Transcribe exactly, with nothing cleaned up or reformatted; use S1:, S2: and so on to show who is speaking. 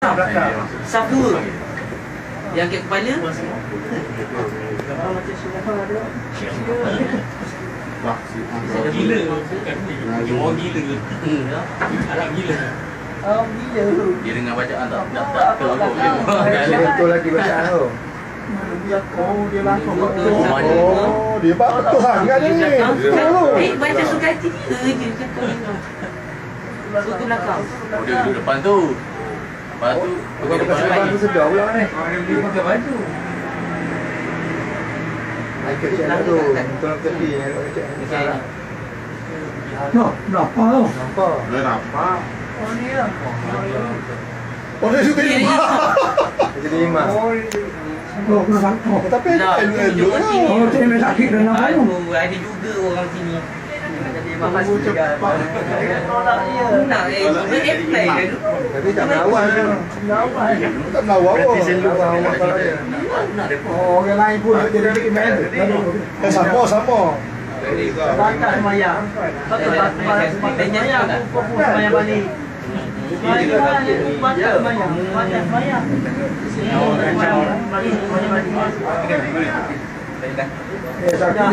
S1: Saf dua. Yang kat kepala.
S2: Gila. Orang gila. Arab gila.
S3: Oh, gila tu.
S2: Dia dengar bacaan tak tak tak terlalu.
S4: Betul lagi bacaan tu.
S3: Oh, dia langsung betul.
S4: Oh, dia betul sangat ni.
S1: Eh, baca suka hati dia je cakap. Suku belakang.
S2: Oh, dia duduk depan tu. Lepas tu
S4: Bukan pakai serban tu sedar pula ni.
S3: Dia pakai baju.
S4: Michael Jackson tu. Betul tepi yang kat Jackson.
S3: No, kenapa tu?
S4: Nampak?
S5: Dia nampak.
S3: Oh, ni lah.
S4: Oh, dia suka lima. Dia jadi lima.
S3: Oh, kena sakit.
S4: Tapi
S1: Nak
S4: elok lah.
S3: Oh, dia memang sakit dah nak tu.
S1: Aduh, ada juga orang sini.
S3: Jadi mahal cepat. Tolak dia.
S1: Nak eh, dia apply ke tu?
S4: Tapi tak menawar tu.
S3: Kenapa?
S4: Tak menawar pun.
S3: Oh, orang lain pun dia dia bikin band.
S4: Eh, sama, sama.
S3: Bakat semayang. Betul tak semayang. Kau pun semayang balik. Semayang balik. Bakat semayang. Bakat semayang. Semayang balik. Semayang balik.
S4: Eh, sakit.